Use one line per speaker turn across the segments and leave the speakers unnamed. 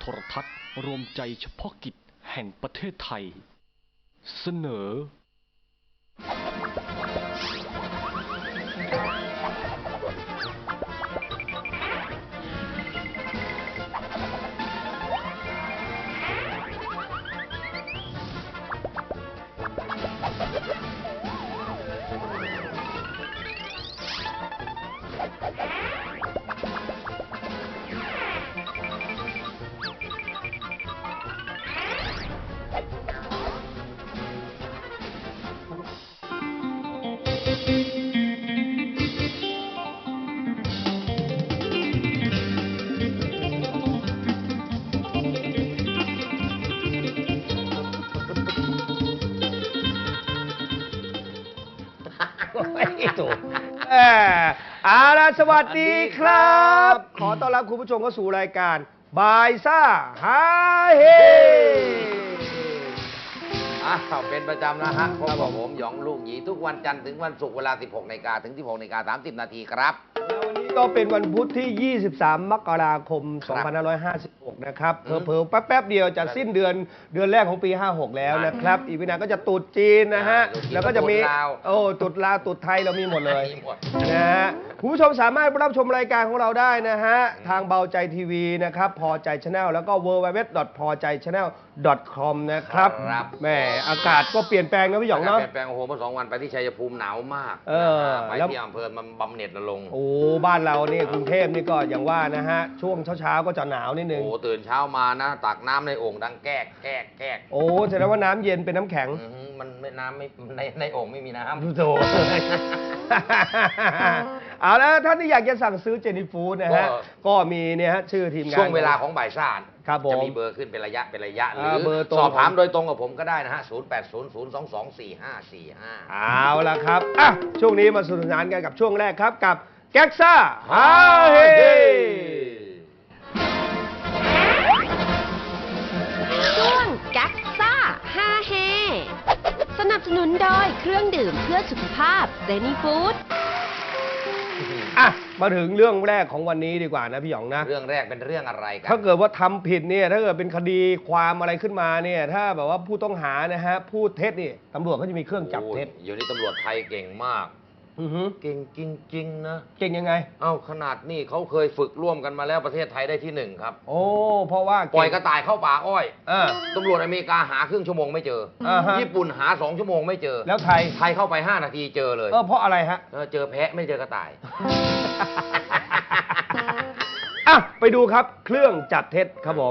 รทัศน์รวมใจเฉพาะกิจแห่งประเทศไทยเสนอ
ไม่ถูกเอาล่ะสวัสดีครับ ขอต้อนรับคุณผู้ชมเข้าสู่รายการบายซ่าฮาเฮ
เป็นประจำนะฮะพบกับผมหยองลูกหยีทุกวันจันทร์ถึงวันศุกร์เวลา 16 นาฬิกาถึง 16 นาฬิกา 30 นาทีครับ
แล้ววันนี้ก็เป็นวันพุธที่ 23 มกราคม 2556 นะครับเผลอๆแป๊บๆเดียวจะสิ้นเดือนแรกของปี 56 แล้วนะครับ อีกไม่นานก็จะตรุษจีนนะฮะ แล้วก็จะมีตรุษลาวตรุษไทยเรามีหมดเลยนะฮะคุณผู้ชมสามารถรับชมรายการของเราได้นะฮะทางเบาใจทีวีนะครับพอใจชาแนลแล้วก็ www.pojaichannel.com นะครับแหมอากาศก็เปลี่ยนแปลงนะพี่หยองเนาะ
เปลี่ยนแปลงโอ้โหเมื่อ2 วันไปที่ชัยภูมิหนาวมากไปที่อำเภอมันบำเหน็จนรงค์
โอ้บ้านเราเนี่ยกรุงเทพนี่ก็อย่างว่านะฮะช่วงเช้าก็จะหนาวนิดนึง
โอ้ตื่นเช้ามานะตักน้ำในโอ่งดังแก๊ก
โอ้แสดงว่าน้ำเย็นเป็นน้ำแข็ง
มันไม่น้ำไม่ในโอ่งไม่มีน้ำ
โธ่เอาแล้วท่านที่อยากจะสั่งซื้อเจนี่ฟู้ดนะฮะก็มีเนี่ยฮะชื่อทีมงาน
ช่วงเวลาของบ่ายซ่า
จะ
มีเบอร์ขึ้นเป็นระยะหรือสอบถามโดยตรงกับผมก็ได้นะฮะ0800224545
เอาละครับช่วงนี้มาสนุกสนานกันกับช่วงแรกครับกับแก๊กซ่าฮาเฮ
ช่วงแก๊กซ่าฮาเฮสนับสนุนโดยเครื่องดื่มเพื่อสุขภาพเจนี่ฟู้ด
มาถึงเรื่องแรกของวันนี้ดีกว่านะพี่หยองนะ
เรื่องแรกเป็นเรื่องอะไรกัน
ถ้าเกิดว่าทำผิดเนี่ยถ้าเกิดเป็นคดีความอะไรขึ้นมาเนี่ยถ้าแบบว่าผู้ต้องหานะฮะพูดเท็จนี่ตำรวจเขาจะมีเครื่องจับเท็จ
อยู่นี่ตำรวจไทยเก่งมากเก่งจริงๆนะ
เก่งยังไง
ขนาดนี่เขาเคยฝึกร่วมกันมาแล้วประเทศไทยได้ที่1ครับ
โอ้เพราะว่า
ปล่อยกระต่ายเข้าป่าอ้อยตำรวจอเมริกาหาครึ่งชั่วโมงไม่เจอญี่ปุ่นหา2 ชั่วโมงไม่เจอ
แล้วไทย
เข้าไป5 นาทีเจอเลย
เพราะอะไรฮะ
เจอแพะไม่เจอกระต่าย
ไปดูครับเครื่องจับเท็จครับผม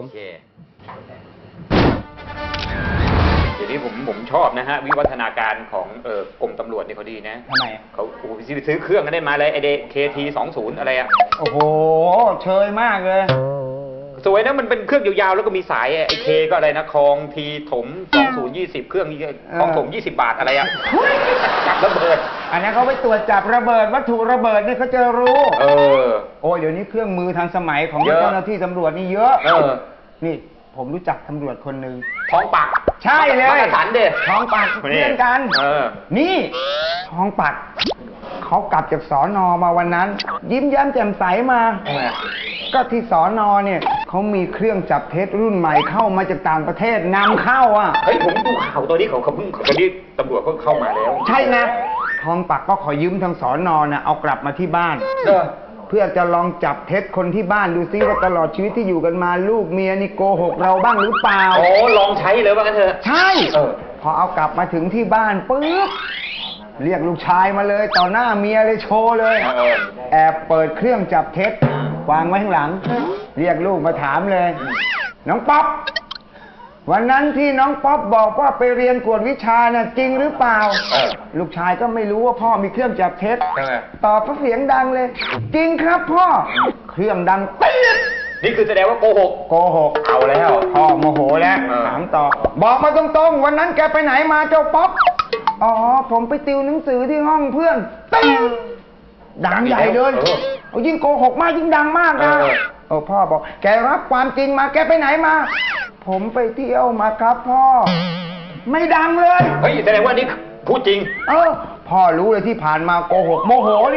เดี๋ยวนี้ผมชอบนะฮะวิวัฒนาการของกรมตำรวจนี่เขาดีนะ
ทำไม
เขาซื้อเครื่องกันได้มาเลยไอเดKT20อะไรอะ
โอ้โหเชยมากเลย
สวยนะมันเป็นเครื่องยาวๆแล้วก็มีสายไอเคก็อะไรนะคลองทีถม2020เครื่องนี้คลองถม20 บาทอะไรอะระเบิด
อันนี้เขาไปตรวจจับระเบิดวัตถุระเบิดนี่เขาจะรู้โอ้ยเดี๋ยวนี้เครื่องมือทันสมัยของเจ้าหน้าที่ตำรวจนี่เยอะนี่ผมรู้จักตำรวจคนหนึ่ง
ท้องปัก
ใช่เลย
สันเด็ด
ท้องปักเพื่อนกันนี่ท้องปักเขากลับจากสน.มาวันนั้นยิ้มแย้มแจ่มใสมาก็ที่สน.เนี่ยเขามีเครื่องจับเท็จรุ่นใหม่เข้ามาจากต่างประเทศนำเข้า
เฮ้ยผมดูข่าวตัวนี้เขาเพิ่งตอนนี้ตำรวจเขาเข้ามาแล้ว
ใช่นะท้องปักก็ขอยืมทางสน.นะเอากลับมาที่บ้านเพื่อจะลองจับเท็จคนที่บ้านดูซิว่าตลอดชีวิตที่อยู่กันมาลูกเมียนี่โกหกเราบ้างหรือเปล่า
ลองใช้เลยว่ากันเถอะ
ใช่พอเอากลับมาถึงที่บ้านปึ๊บเรียกลูกชายมาเลยต่อหน้าเมียเลยโชว์เลยแอบเปิดเครื่องจับเท็จวางไว้ข้างหลังเรียกลูกมาถามเลยน้องป๊อปวันนั้นที่น้องป๊อปบอกว่าไปเรียนกวดวิชาน่ะจริงหรือเปล่าลูกชายก็ไม่รู้ว่าพ่อมีเครื่องจับเท็จตอบเสียงดังเลยจริงครับพ่อเครื่องดังปี๊ด
นี่คือแสดงว่าโกหก
เอาแล้วพ่อโมโหแล้วถามต่อบอกมาตรงๆวันนั้นแกไปไหนมาเจ้าป๊อปอ๋อผมไปติวหนังสือที่ห้องเพื่อนดังใหญ่เลยยิ่งโกหกมากยิ่งดังมากนะพ่อบอกแกรับความจริงมาแกไปไหนมาผมไปเที่ยวมาครับพ่อไม่ดังเลย
เฮ้ยแสดงว่านี่พูดจริง
พ่อรู้เลยที่ผ่านมาโกหกโมโหนี่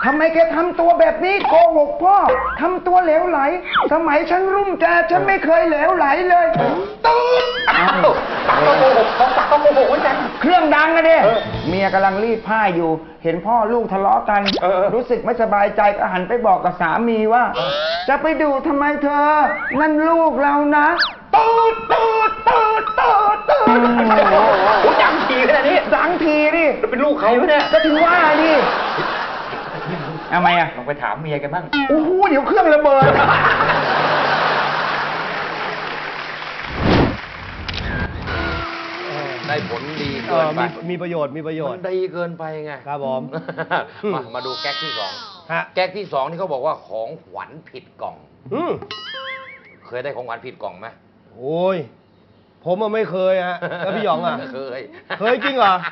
ทำไมแกทำตัวแบบนี้โกหกพ่อทำตัวเหลวไหล สมัยฉันรุ่นแกฉันไม่เคยเหลวไหลเลยตืด
อ้าวตักก็โกหกของตักก็โกหกเหมือนกัน
เครื่องดังอะดิเมียกำลังรีดผ้าอยู่ เห็นพ่อลูกทะเลาะกัน รู้สึกไม่สบายใจก็หันไปบอกกับสามีว่า จะไปดูทำไมเธอ นั่นลูกเรานะตืดตืดตืดตืดตืด
โอ้ดังทีขนาดนี้
ดังทีดิ
แล้วเป็นลูกใครวะเนี่ย
ก็ถึงว่าดิทำไมอะ
ลองไปถามเมียกันบ้าง
โอ้โหเดี๋ยวเครื่องระเบิด
ได้ผลดีเกินไป
มีประโยชน์มีประโยช
มั
น์
นดีเกินไปไง
ครับผม
มาดูแก๊กที่สอง
ฮะ
แก๊กที่สองนี่เขาบอกว่าของขวัญผิดกล่อง
อืม
เคยได้ของขวัญผิดกล่องไหม
โอ้ยผมอะไม่เคยฮะแล้วพี่หยองอ่ะ
เคย
เคยจริงเหรอ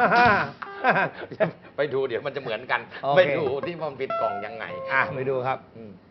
ไปดูเดี๋ยวมันจะเหมือนกัน
โอเค
ไปดูที่มันผิดกล่องยังไง
อ่ะไปดูครับ
อืม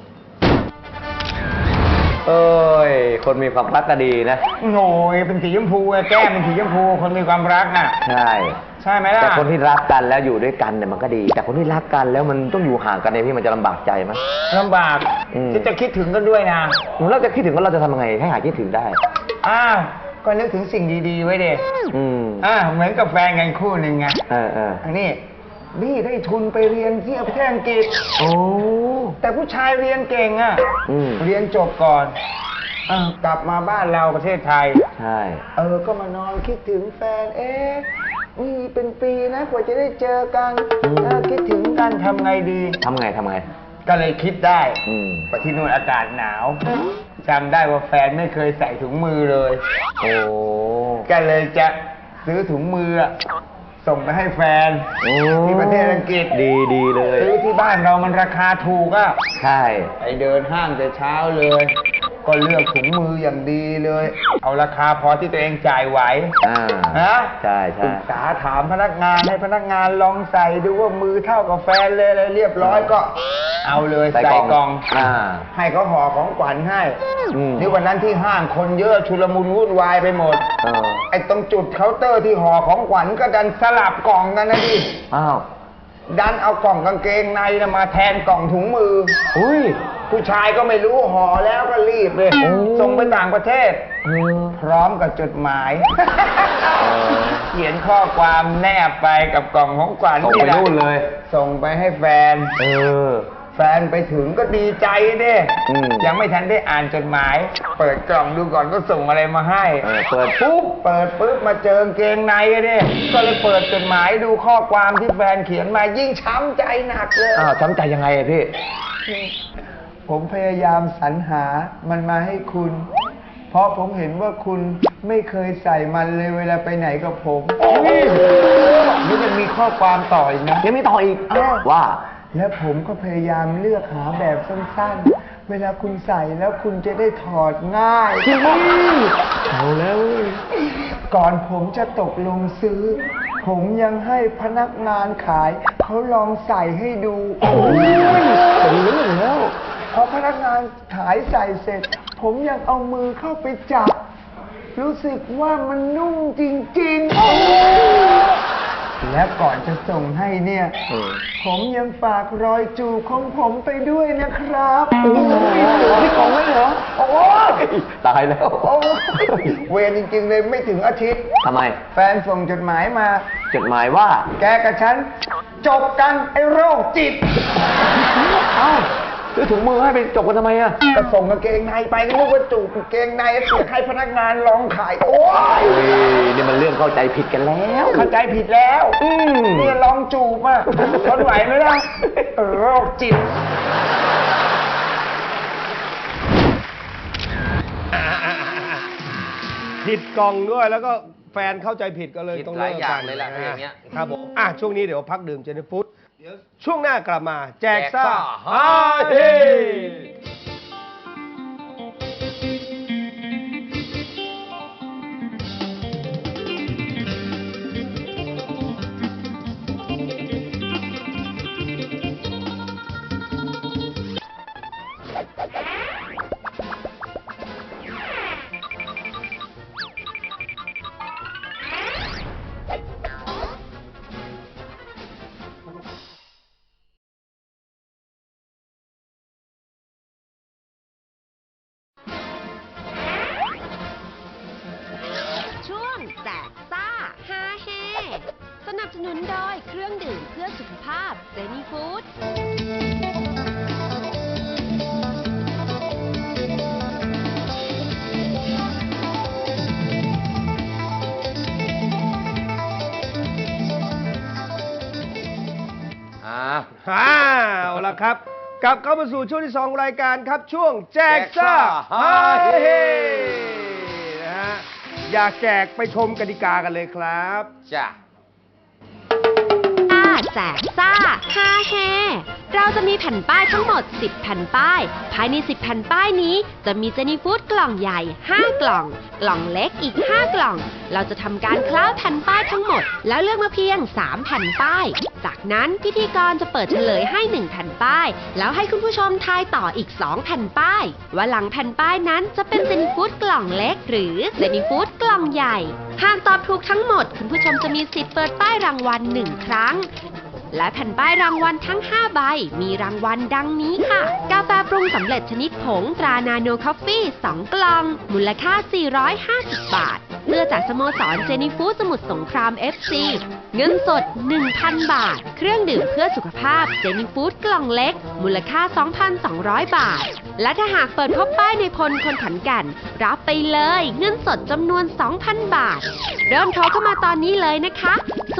เอ้ย คนมีความรักก็ดีนะ
โง่เป็นสีชมพูอะแก้มเป็นสีชมพูคนมีความรักน่ะ
ใช่
ใช่ไหมล่ะ
แต่คนที่รักกันแล้วอยู่ด้วยกันเนี่ยมันก็ดี แต่คนที่รักกันแล้วมันต้องอยู่ห่างกันเนี่ยพี่มันจะลำบากใจไหม
ลำบาก
อืม
ที่จะคิดถึงกันด้วยนะ
เราจะคิดถึงว่าเราจะทำยังไงให้หายคิดถึงได้
อ้าวก็นึกถึงสิ่งดีๆไว้เด็
อืม
เหมือนกับแฟนกันคู่หนึ่งไง
เออ
อันนี้บี้ได้ทุนไปเรียนที่ประเทศอังกฤษ
โอ้
แต่ผู้ชายเรียนเก่งอ่ะ
อืม
เรียนจบก่อนกลับมาบ้านเราประเทศไทย
ใช่
ก็มานอนคิดถึงแฟน นี่เป็นปีนะกว่าจะได้เจอกันคิดถึงกันทำไงดี
ทำไง
ก็เลยคิดได้
อืม
ไปที่นู่นอากาศหนาวจำได้ว่าแฟนไม่เคยใส่ถุงมือเลย
โอ้
ก็เลยจะซื้อถุงมือส่งไปให้แฟน
โอ้
ที่ประเทศอังกฤษ
ดีเลย
ซื้อที่บ้านเรามันราคาถูกอ่ะ
ใช่
ไปเดินห้างแต่เช้าเลย ก็เลือกถุงมืออย่างดีเลย เอาราคาพอที่ตัวเองจ่ายไหว นะ
ใช่
ปรึกษาถามพนักงานให้พนักงานลองใส่ดูว่ามือเท่ากับแฟนเลยอะไรเรียบร้อยก็ เอาเลยใส่กล่อง ให้เขาห่อของขวัญให้
อืม
นี่วันนั้นที่ห้างคนเยอะชุลมุนวุ่นวายไปหมด ไอ้ตรงจุดเคาน์เตอร์ที่ห่อของขวัญก็ดันสลับกล่องกันนะดิ
อ้าว
ดันเอากล่องกางเกงในนะมาแทนกล่องถุงมือ
อุ้ย
ผู้ชายก็ไม่รู้ห่อแล้วก็รีบเลย
โอ้
ส่งไปต่างประเทศ พร้อมกับจดหมาย เขียนข้อความแนบไปกับกล่องของขวัญ
ส่งไปนู่นเลย
ส่งไปให้แฟน แฟนไปถึงก็ดีใจเด้
อืม
ยังไม่ทันได้อ่านจดหมาย เปิดกล่องดูก่อนก็ส่งอะไรมาให้
เปิดปุ๊บ
เปิดปุ๊บมาเจอกางเกงในอะเด้ก็เลยเปิดจดหมายดูข้อความที่แฟนเขียนมายิ่งช้ำใจหนักเลย
อ้าวช้ำใจยังไงอะพี่
ผมพยายามสรรหามันมาให้คุณ เพราะผมเห็นว่าคุณไม่เคยใส่มันเลยเวลาไปไหนกับผมนี่มันมีข้อความต่ออีกนะ
ยังมีต่ออีก
อ้าว
ว่า
และผมก็พยายามเลือกหาแบบสั้นๆ เวลาคุณใส่แล้วคุณจะได้ถอดง่าย
เอาแล้ว
ก่อนผมจะตกลงซื้อ ผมยังให้พนักงานขายเขาลองใส่ให้ดู โอ้ยเป็นเรื่องแล้ว พอพนักงานขายใส่เสร็จ ผมยังเอามือเข้าไปจับ รู้สึกว่ามันนุ่มจริงๆ และก่อนจะส่งให้เนี่ย ผมยังฝากรอยจูบของผมไปด้วยนะครับพี่ของไม่เหรอ โอ้
ตายแล้ว
โอ้เวรจริงๆเลยไม่ถึงอาทิตย์
ทำไม
แฟนส่งจดหมายมา
จดหมายว่า
แกกับฉัน จบกันไอ้โรคจิต
เอ้าซื้อถุงมือให้ไปจบกันทำไมอะ
ก็ส่งกางเกงในไปก็นึกว่าจูบกางเกงในเสียให้พนักงานลองขาย โอ้ย
โอ้ยนี่มันเรื่องเข้าใจผิดกันแล้ว
เข้าใจผิดแล้วเนี่ยลองจูบอ่ะทนไหวไหมล่ะโรคจิต
ผิดกล่องด้วยแล้วก็แฟนเข้าใจผิดก็เลย
ผิด
ต้อง
ห
เลิ
ลาย
ก
อย่า
กั
ง
น
เลยล่ะถ้าอย่างเงี้ย
ครับผมช่วงนี้เดี๋ยวพักดื่มเจนฟูดเดี๋ยวช่วงหน้ากลับมา แจกซ่า
แจกซ่า
ฮาเฮ
นับสนุนโดยเครื่องดื่มเพื่อสุขภาพเซนีฟู้ด
เอาละครับกลับเข้ามาสู่ช่วงที่2รายการครับช่วงแจกซ่าฮาเฮนะฮะอยากแจกไปชมกติกากันเลยครับ
จ้ะ
แจกซ่าฮาแฮเราจะมีแผ่นป้ายทั้งหมด10แผ่นป้ายภายใน10แผ่นป้ายนี้จะมีเจนี่ฟู้ดกล่องใหญ่5กล่องกล่องเล็กอีก5กล่องเราจะทำการคล้าแผ่นป้ายทั้งหมดแล้วเลือกมาเพียง3แผ่นป้ายจากนั้นพิธีกรจะเปิดเฉลยให้1แผ่นป้ายแล้วให้คุณผู้ชมทายต่ออีก2แผ่นป้ายว่าหลังแผ่นป้ายนั้นจะเป็นเจนี่ฟู้ดกล่องเล็กหรือเจนี่ฟู้ดกล่องใหญ่หากตอบถูกทั้งหมดคุณผู้ชมจะมีสิทธิ์เปิดป้ายรางวัล1ครั้งและแผ่นป้ายรางวัลทั้ง5ใบมีรางวัลดังนี้ค่ะกาแฟปรุงสำเร็จชนิดผงตรานาโนคอฟฟี่2กล่องมูลค่า450บาทเสื้อจากสโมสรเจนี่ฟู้ดสมุทรสงคราม FC เงินสด 1,000 บาทเครื่องดื่มเพื่อสุขภาพเจนี่ฟู้ดกล่องเล็กมูลค่า 2,200 บาทและถ้าหากเปิดพบป้ายในพลคนขอนแก่นรับไปเลยเงินสดจำนวน 2,000 บาทเริ่มโทรเข้ามาตอนนี้เลยนะคะ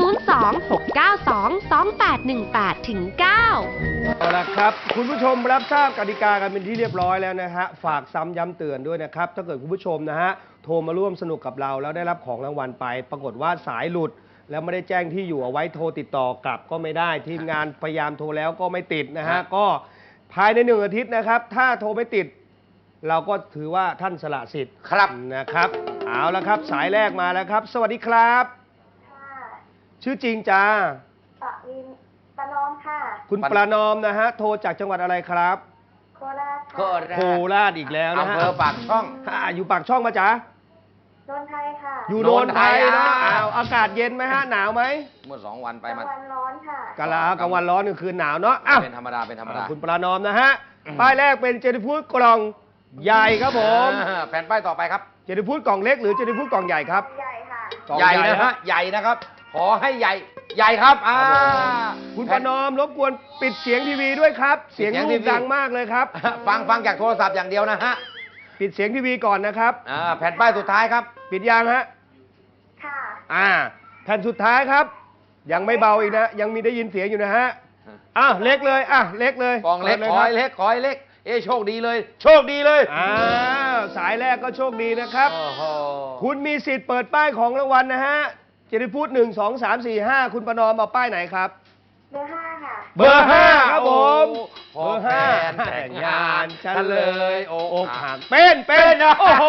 026922818ถึง9
เอาละครับคุณผู้ชมรับทราบกติกากันเป็นที่เรียบร้อยแล้วนะฮะฝากซ้ำย้ำเตือนด้วยนะครับถ้าเกิดคุณผู้ชมนะฮะโทรมาร่วมสนุกกับเราแล้วได้รับของรางวัลไปปรากฏว่าสายหลุดแล้วไม่ได้แจ้งที่อยู่เอาไว้โทรติดต่อกลับก็ไม่ได้ทีมงานพยายามโทรแล้วก็ไม่ติดนะฮะก็ภายใน1 อาทิตย์นะครับถ้าโทรไม่ติดเราก็ถือว่าท่านสละสิทธิ์ครับนะครับเอาละครับสายแรกมาแล้วครับสวัสดีครับชื่อจริงจ้า
ประนอมค่ะ
คุณประนอมนะฮะโทรจากจังหวัดอะไรครับ
โคราช
โคราชอีกแล้วนะฮะ
อำเภอปากช่อง
อยู่ปากช่องมาจ้า
โนนไทยค่ะ
อยู่โนนไทยนะอากาศเย็นไหมฮะหนาวไหม
เมื่อ2 วันไป
กลางวันร้อนค่ะ
กลางวันร้อนกลางคืนหนาวเนาะ
เป็นธรรมดาเป็นธรรมดา
คุณประนอมนะฮะป้ายแรกเป็นเจนี่ฟู้ดกล่องใหญ่ครับผม
แผ่นป้ายต่อไปครับ
เจนี่ฟู้ดกล่องเล็กหรือเจนี่ฟู้ดกล่องใหญ่ครับ
ใหญ่ค่ะ
ใหญ่นะฮะใหญ่นะครับขอให้ใหญ่ครับ
คุณประนอมรบกวนปิดเสียงทีวีด้วยครับเสียงลูกดังมากเลยครับ
ฟังจากโทรศัพท์อย่างเดียวนะฮะ
ปิดเสียงทีวีก่อนนะครับ
แผ่นป้ายสุดท้ายครับ
ปิดยังฮะ
ค่ะ
แผ่นสุดท้ายครับยังไม่เบาอีกนะยังมีได้ยินเสียงอยู่นะฮะเล็กเลยเล็กเลย
กองเล็กขอให้เล็กโชคดีเลยโชคดีเลย
สายแรกก็โชคดีนะครับคุณมีสิทธิ์เปิดป้ายของรางวัลนะฮะเจนี่ฟู้ด1 2 3 4 5คุณประนอมเอาป้ายไหนครับ
เบอร์ 5ค่ะ
เบอร์ 5ครับผมเบอร์ 5แต่งงานฉันเลยอกหักเป็นโอ้โห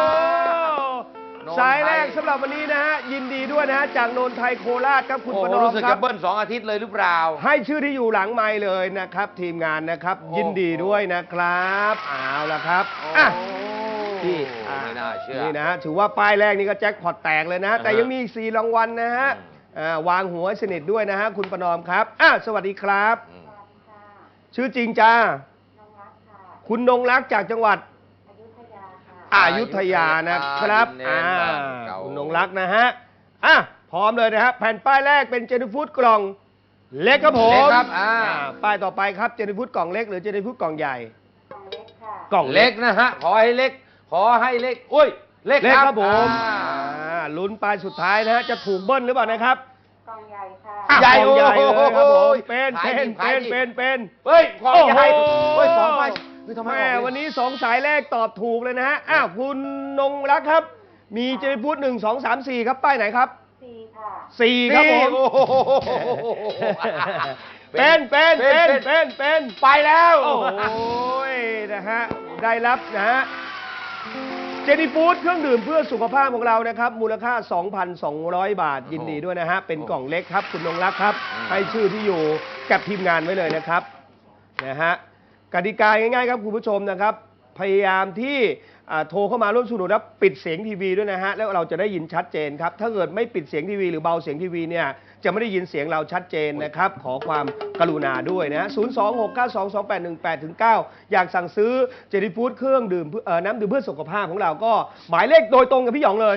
สายแรกสำหรับวันนี้นะฮะยินดีด้วยนะฮะจากโนนไทยโคราชครับคุณประนอม
รู้สึกจะเบิ้ล2 อาทิตย์เลยหรือเปล่า
ให้ชื่อที่อยู่หลังไมค์เลยนะครับทีมงานนะครับยินดีด้วยนะครับเอาละครับที่
ไม่น่าเชื่อ
นี่นะฮะถือว่าป้ายแรกนี่ก็แจ็คพอตแตกเลยนะแต่ยังมีอีก4 รางวัลนะฮะวางหัวสนิทด้วยนะฮะคุณประนอมครับสวัสดีครับชื่อจริงจ้าคุณนงรักจากจังหวัดอยุธยานะครับคุณนงรักนะฮะพร้อมเลยนะฮะแผ่นป้ายแรกเป็นเจนี่ฟู้ดกล่องเล็กครับผมป้ายต่อไปครับเจนี่ฟู้ดกล่องเล็กหรือเจนี่ฟู้ดกล่องใหญ่
กล่องเล็กนะฮะขอให้เล็กอุ้ยเล็ก
ครับผมลุ้นป้ายสุดท้ายนะฮะจะถูกเบิ้ลหรือเปล่านะครับ
กล่องใหญ่ค่ะ
ใหญ่เลยครับผมเป็นเฮ้ยกล่องใหญ่2 ใบแม่วันนี้2 สายแรกตอบถูกเลยนะฮะคุณนงรักครับมีเจนี่ฟู้ด1 2 3 4ครับป้ายไหนครับ
4ค่ะ
4ครับผมเป็น
ไปแล้ว
โอ้ยนะฮะได้รับนะฮะเจนี่ฟู้ดเครื่องดื่มเพื่อสุขภาพของเรานะครับมูลค่า 2,200 บาทยินดีด้วยนะฮะเป็นกล่องเล็กครับคุณนงรักครับให้ชื่อที่อยู่กับทีมงานไว้เลยนะครับนะฮะกติกาง่ายๆครับคุณผู้ชมนะครับพยายามที่โทรเข้ามาร่วมสนุกแล้วปิดเสียงทีวีด้วยนะฮะแล้วเราจะได้ยินชัดเจนครับถ้าเกิดไม่ปิดเสียงทีวีหรือเบาเสียงทีวีเนี่ยจะไม่ได้ยินเสียงเราชัดเจนนะครับขอความกรุณาด้วยนะ026922818-9อยากสั่งซื้อเจนี่ฟู้ดเครื่องดื่มน้ำดื่มเพื่อสุขภาพของเราก็หมายเลขโดยตรงกับพี่หยองเลย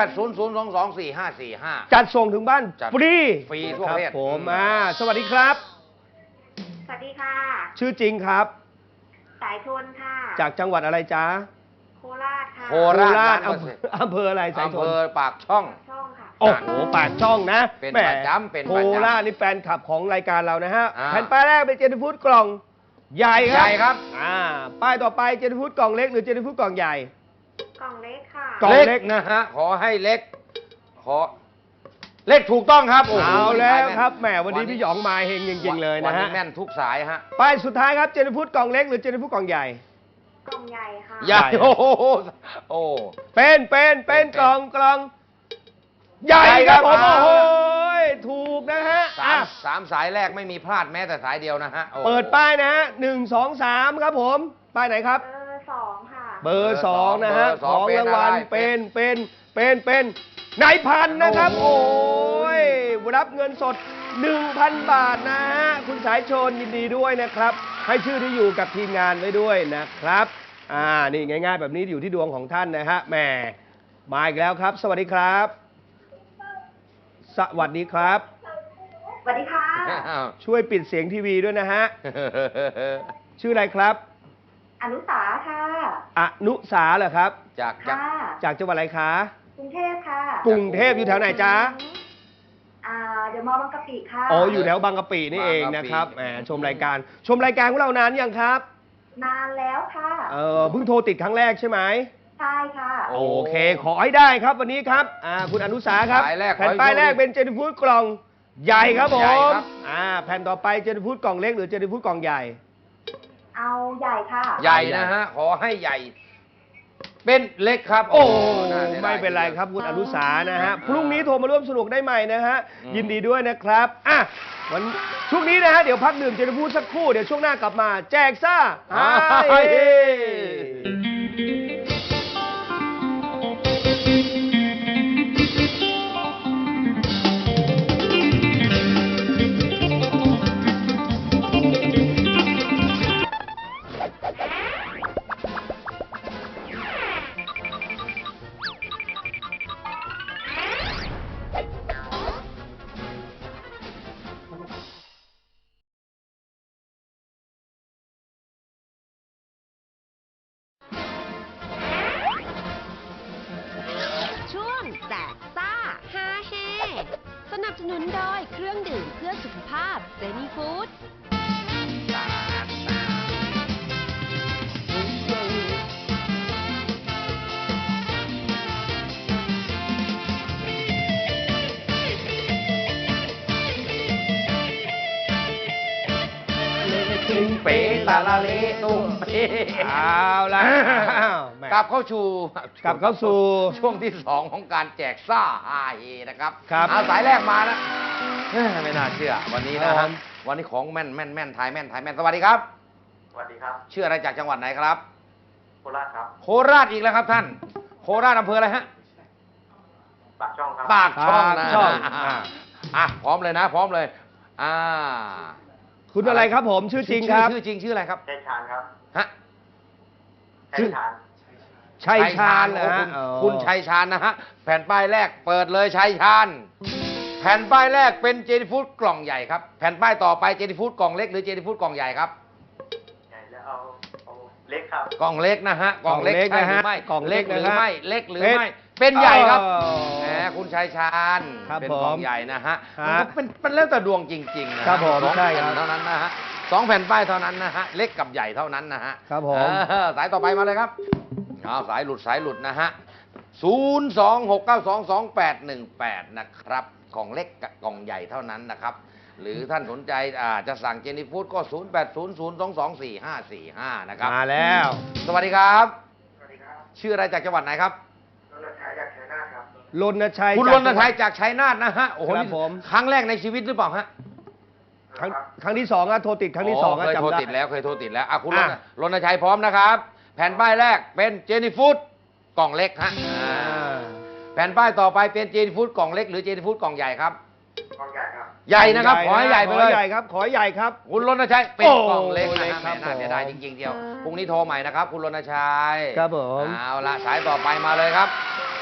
0800224545
จัดส่งถึงบ้าน
จัด
ฟรี
ฟรีทั่วประเทศ
ครับผมสวัสดีครับ
สวัสดีค่ะ
ชื่อจริงครับ
สายชนค่ะ
จากจังหวัดอะไรจ๊ะ
โคราชค่ะ
โคราช
อำเภออะไรสายช
อำเภ
น
อปากช่อง
ช่องค่ะ
โอ้โหปากช่องนะ
เป็น
แหม
ประจำเป็น
โค
ประจำ
ราชนี่แฟนคลับของรายการเรานะฮะ
อ่า
แผ่นป้ายแรกเป็นเจนฟูดกล่องใหญ่ครับ
ใหญ่ครับ
ป้ายต่อไปเจนฟูดกล่องเล็กหรือเจนฟูดกล่องใหญ่
กล่องเล็กค่ะ
กล่องเล็ก
นะฮะขอให้เล็กขอเล็กถูกต้องครับโอ้โห
เอาแล้ว
ม่น
ครับแหมวันนี้พี่หยองมาเฮงจริงๆเลย
วั
นะ
นี้
ฮะ
แม่นทุกสายฮะ
ป้ายสุดท้ายครับเจนฟูดกล่องเล็กหรือเจนฟูดกล่องใหญ่
กล่องใหญ่ค่ะ
ใหญ่โอ้โหโอ้
เป็นกล่องใหญ่ครับผม
ใหญ่ครับ
โอ้โหถูกนะฮะ
สามสายแรกไม่มีพลาดแม้แต่สายเดียวนะฮะโอ้โห
เปิดป้ายนะฮะ1 2 3ครับผมป้ายไหนครับ
เบอร์ 2 ค่ะ
เบอร์2นะฮะ
เบอร์ส
ข
อง
องรางวัล
เป็นอะไร
เป็นนายพันนะครับ
โอ้
โอ้
โห
ยรับเงินสด 1,000 บาทนะฮะคุณสายชนยินดีด้วยนะครับ ให้ชื่อที่อยู่กับทีมงานไว้ด้วยนะครับนี่ง่ายๆ แบบนี้อยู่ที่ดวงของท่านนะฮะแหมมาอีกแล้วครับ สวัสดีครับ สวัสดีครับ
สวัสดีค่ะ
ช่วยปิดเสียงทีวีด้วยนะฮะชื่ออะไรครับ
อนุสาค่ะ
อนุสาเหรอครับ
จาก
ค่ะ
จากจังหวัดอะไรคะ
กรุงเทพค่ะ
กรุงเทพอยู่แถวไหนจ๊ะ
เดี๋ยวมอบางกะปิค่ะ
อ๋ออยู่แถวบางกะปินี่เองนะครับแหมชมรายการของเรานานยังครับ
นานแล้วค่ะ
เพิ่งโทรติดครั้งแรกใช่ไหม
ใช่ค่ะ
โอเคขอให้ได้ครับวันนี้ครับคุณอนุสาครับ
สายแรก
แผ่นป้ายแรกเป็นเจนฟูดกล่องใหญ่ครับผ
ใหญ่
ม
ครับ
แผ่นต่อไปเจนฟูดกล่องเล็กหรือเจนฟูดกล่องใหญ่
เอาใหญ่ค่ะ
ใหญ่นะฮะขอให้ใหญ่ เป็นเล็กครับ
โอ้
น่าสียดาย
ไม่เป็นไรครับคุณอนุสานะฮะพรุ่งนี้โทรมาร่วมสนุกได้ใหม่นะฮะ
อืม
ยินดีด้วยนะครับช่วงนี้นะฮะเดี๋ยวพักดื่มเจนฟูดสักครู่เดี๋ยวช่วงหน้ากลับมา แจกซ่าฮาเฮ
ช่วงแจกซ่าฮาเฮสนับสนุนโดยเครื่องดื่มเพื่อสุขภาพเจนี่ฟู้ด
ตุ้มเป๋ตาลาเลตุ้มเป๋
เอาละแหม
กลับเข้าสู่
กลับเข้าสู่
ช่วงที่ 2 ของการแจกซ่าฮาเฮนะครับ
ครับ
เอาสายแรกมาแล้วไม่น่าเชื่อวันนี้นะ
ครั
ฮะ
บ
วันนี้ของแม่นทายแม่นสวัสดีครับ
สวัสดีครับ
ชื่ออะไรจากจังหวัดไหนครับ
โคราชครับ
โคราชอีกแล้วครับท่าน โคราชอำเภออะไรฮะ
ปากช่องครับ
ปากช่องนะ
ปากช่อง
พร้อมเลยนะ พร้อมเลยอ่า
คุณอะไรครับผมชื่อจริงครับ
ชื่อจริงชื่ออะไรครับ
ชัยชาญครับ
ฮะ
ชัยชาญ
ชัยชาญ
โอ้
นะฮะ
คุณชัยชาญนะฮะแผ่นป้ายแรกเปิดเลยชัยชาญแผ่นป้ายแรกเป็นเจนี่ฟู้ดกล่องใหญ่ครับแผ่นป้ายต่อไปเจนี่ฟู้ดกล่องเล็กหรือเจนี่ฟู้ดกล่องใหญ่ครับ
ใหญ่แล้วเอาเล็กครับ
กล่องเล็กนะฮะกล่องเล็ก
กล่องเล็ก
ใช่หรือ
นะฮะ
ไม่
กล่องเล็
เล็
ก
กหรือ
นะฮะ
ไม่เล็กหรือไม่เป็นใหญ่ครับ แหมคุณชัยชาญ
ครับ
เป็น
ผม
กล่องใหญ่นะฮะ
ฮะ
มันแล้วแต่ดวงจริงๆนะครับ
ผม
สอง
ใช่
แผ่
ครับ
นเท่านั้นนะฮะ2 แผ่นป้ายเท่านั้นนะฮะเล็กกับใหญ่เท่านั้นนะฮะ
ครับผม
สายต่อไปมาเลยครับเอาสายหลุดนะฮะ026922818นะครับกล่องเล็กกับกล่องใหญ่เท่านั้นนะครับหรือท่านสนใจจะสั่งเจนี่ฟู้ดก็0800224545นะครับ
มาแล้ว
สวัสดีครับ
สวัสดีครับ
ชื่ออะไรจากจังหวัดไหนครับ
รณชัยจากชัยนาทครับ
รณชัย
คุณ
จาก
รณชัยจากชัยนาทนะฮะโอ้โห
ครับ
นี่
ผม
ครั้งแรกในชีวิตหรือเปล่าฮะ
ครั้งที่สองอะโทรติดครั้งที่สองอะ
เคย
จำ
โทร
ได้
ติดแล้วคุณ
อ่ะ
รณชัยพร้อมนะครับแผ่นป้ายแรกเป็นเจนี่ฟู้ดกล่องเล็กฮะแผ่นป้ายต่อไปเป็นเจนี่ฟู้ดกล่องเล็กหรือเจนี่ฟู้ดกล่องใหญ่ครับ
กล่องใหญ่ครับ
ใหญ่นะครับขอให้ใหญ่ไปเลย
ขอใหญ่ครับขอใหญ่ครับ
คุณรณชัยเป็นกล่องเล็ก
โอ้
นะ
เล็ก
ฮะ
ครับ
แม่น่าเสียดายจริงๆเดียวพรุ่งนี้โทรใหม่นะครับคุณรณชัย
ครับผม
เอาละสายต่อไปมาเลยครับ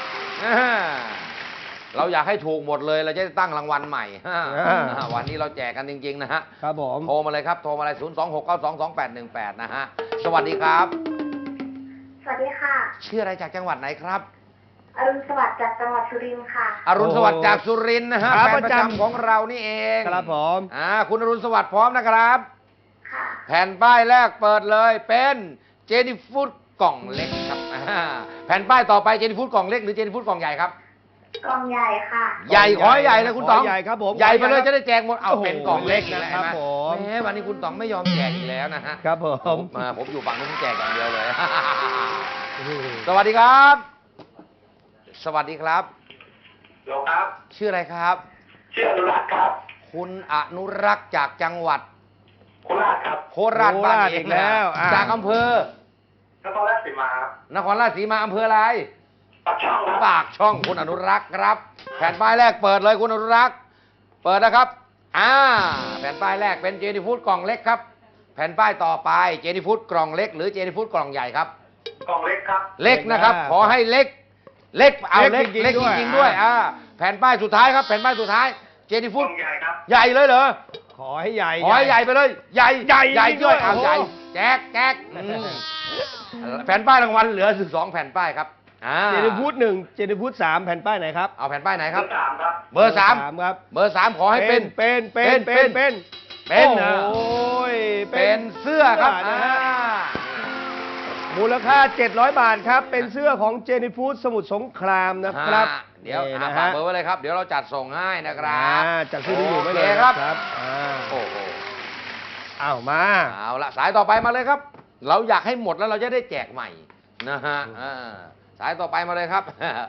เราอยากให้ถูกหมดเลยเราจะได้ตั้งรางวัลใหม่วันนี้เราแจกกันจริงๆนะฮะ
ครับผม
โทรมาเลยครับโทรมาเลย026922818นะฮะสวัสดีครับ
สวัสดีค่ะ
ชื่ออะไรจากจังหวัดไหนครับ
อรุณสวัสดิ์จากจังหวัดสุรินทร์ค่ะ
อรุณสวัสดิ์จากสุรินทร์นะฮะ
ครับ
แฟนประ
ประจำ
จำของเรานี่เอง
ครับผม
คุณอรุณสวัสดิ์พร้อมนะครับ
ค่ะ
แผ่นป้ายแรกเปิดเลยเป็นเจนี่ฟู้ดกล่องเล็กครับแผ่นป้ายต่อไปเจนี่ฟู้ดกล่องเล็กหรือเจนี่ฟู้ดกล่องใหญ่ครับ
กล่องใหญ่ค่ะ
ใหญ่ขอให้ใหญ่เลยคุณต๋อง
ขอใหญ่ครับผม
ใหญ่ไปเลย
ขอใหญ่
จะได้แจกหมดเอา
โอ้โห
เป็นกล่องเล็ก
เล็ก
นะ
นะ
ค
ครั
รับบ
ผม
แหมวันนี้คุณต๋องไม่ยอมแจกอีกแล้วนะฮะ
ครับผม
ผมอยู่ฝั่งนู้นแจกอย่างเดียวเลย สวัสดีครับ สวัสดีครับ
โลครับ
ชื่ออะไรครับ
ชื่ออนุรักษ์ครับ
คุณอนุรักษ์จากจังหวัด
โคราชครับ
โคราชบ้าน
โคราช
เอ
อี
ง
กแล้ว
จากอำเภอ
นครราชสีมาครับ
นครราชสีมาอำเภออะไร
ปากช่องครับ
ปากช่องคุณอนุรักษ์ครับ แผ่นป้ายแรกเปิดเลยคุณอนุรักษ์เปิดนะครับแผ่นป้ายแรกเป็นเจนี่ฟู้ดกล่องเล็กครับ แผ่นป้ายต่อไปเจนี่ฟู้ดกล่องเล็กหรือเจนี่ฟู้ดกล่องใหญ่ครับ
กล่องเล็กครับ
เล็กนะครับ ขอให้เล็ก เล็กเอาเล็ก
เล็กจริงๆ
เล็กจริงๆ
ด้
ด้ว
วย ย
แผ่นป้ายสุดท้ายครับแผ่นป้ายสุดท้ายเจนี่
ก
ฟู้
ล่
ด
องใหญ่ครับ
ใหญ่เลยเหรอ
ขอให้ใหญ่
ขอให้ใหญ่ไปเลยใหญ่
ใหญ่
ใหญ่
จริงๆ
ด้วย
ด้วย
เอา
โอ้โห
ใหญ่แจกแผ่นป้ายรางวัลเหลือ12แผ่นป้ายครับ
เจนี่ฟู้ดหนึ่งเจนี่ฟู้ดสามแผ่นป้ายไหนครับ
เอาแผ่นป้ายไหนครับ
สามครับ
เบอร์สาม
ครับ
เบอร์สามขอให้เป็น
เป็นนะ
โอ้
โอ้ย
เป็นเสื้อครับ
นะฮะมูลค่า 700 บาทครับ เป็นเสื้อของเจนี่ฟู้ดสมุทรสงครามนะครับ
เดี๋ยว
นี่นะ
ฝาก
ฮะ
เบอร์ไว้เลยครับ เดี๋ยวเราจัดส่งให้นะครับ
จัดซื้อที่อยู่ไว้เลย
โอค
ค
ค
รั
รั
บบ
โอ้โห
เอามา
เอาละสายต่อไปมาเลยครับ เราอยากให้หมดแล้วเราจะได้แจกใหม่นะฮะสายต่อไปมาเลยครับ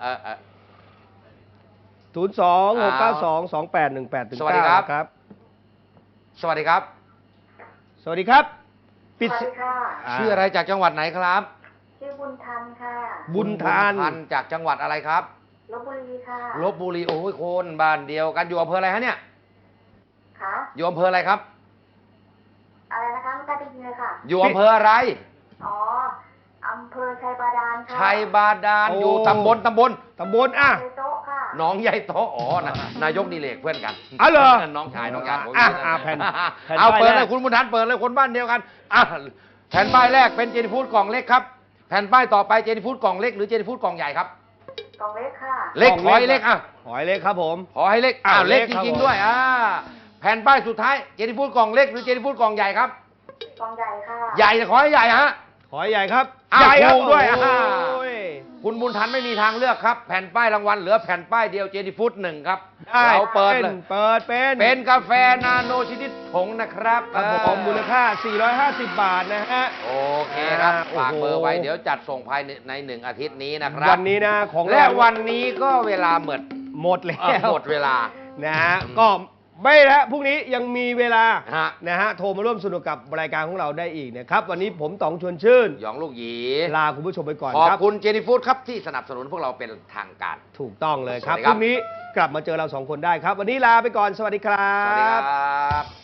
026922818ถึง
สวัสดีครับ
ครับ
สวัสดีครับ
สวัสดีครับ
สวัสดีค่ะ
ชื่ออะไรจากจังหวัดไหนครับ
ชื่อบุญทันค่ะ
บุญทาน
บุญจากจังหวัดอะไรครับ
ลบบุรีค่ะ
ลบบุรีโอ้ยคนบ้านเดียวกันอยู่อำเภออะไรฮะเนี่ย
ค่ะ
อยู่อำเภออะไรครับ
อะไรนะคะไม่ได้ยินเลยค่ะ
อยู่อำเภออะไร
อ๋อ อำเภอชัยบาดาลค่ะ
ชัยบาดาล
โอ้
อยู่ตำบล
ตำบลอ่ะ
ในโต๊ะค่ะ
หนองใหญ่โตอ๋อนายกดิเลกเพื่อนกัน
อ๋อเหรอ
น้องชายน้องชายผม
แผ่น
เอา
ป้าย
เปิด
แร
เล
ก
ยคุณบุญทันเปิดเลยคนบ้านเดียวกันแผ่นป้ายแรกเป็นเจนี่ฟู้ดกล่องเล็กครับแผ่นป้ายต่อไปเจนี่ฟู้ดกล่องเล็กหรือเจนี่ฟู้ดกล่องใหญ่ครับ
กล่องเล็กค่ะ
เล็ก
กล่อง
ขอให้
เล็
เล็
ก
กอ่ะ
ขอให้เล็กครับผม
ขอให้เล็ก
อ้าว
เล็ก
เล็ก
จ
ครับ
ริง
ผม
ๆด้วยแผ่นป้ายสุดท้ายเจนี่ฟู้ดกล่องเล็กหรือเจนี่ฟู้ดกล่องใหญ่ครับ
กล่องใหญ่ค่ะ
ใหญ่ขอให้ใหญ่ฮะ
ขอให้ใหญ่ครับ
อ้าว
ใหญ่ครับ
ถูกด้วย
โอ้ย
คุณบุญทันไม่มีทางเลือกครับ แผ่นป้ายรางวัลเหลือแผ่นป้ายเดียวเจนี่ฟู้ดหนึ่งครับ
ได้
เราเปิดเลย
เป็น
กาแฟนาโนชนิดผงนะครับ
ครับผมมูลค่า 450 บาทนะฮะ
โอเคครับ
โอ้โห
ฝากเบอร์ไว้เดี๋ยวจัดส่งภายใน1 อาทิตย์นี้นะครับ
วันนี้นะของ
และ
เรา
วันนี้ก็เวลาหมด
หมดแล้ว
หมดเวลา
นะฮะก็ไม่แล้วพรุ่งนี้ยังมีเวลา
ฮะ
นะฮะโทรมาร่วมสนุกกับรายการของเราได้อีกนะครับ วันนี้ผมต๋องชวนชื่น
หยองลูกหยี
ลาคุณผู้ชมไปก่อน
ขอบ
ครับ
คุณเจนี่ฟู้ดครับที่สนับสนุนพวกเราเป็นทางการ
ถูกต้องเลยครับ
สวัสดี
พ
ครับ
รุ่งนี้กลับมาเจอเราสองคนได้ครับ วันนี้ลาไปก่อนสวัสดีครั
สวัสดี
บ
ครับ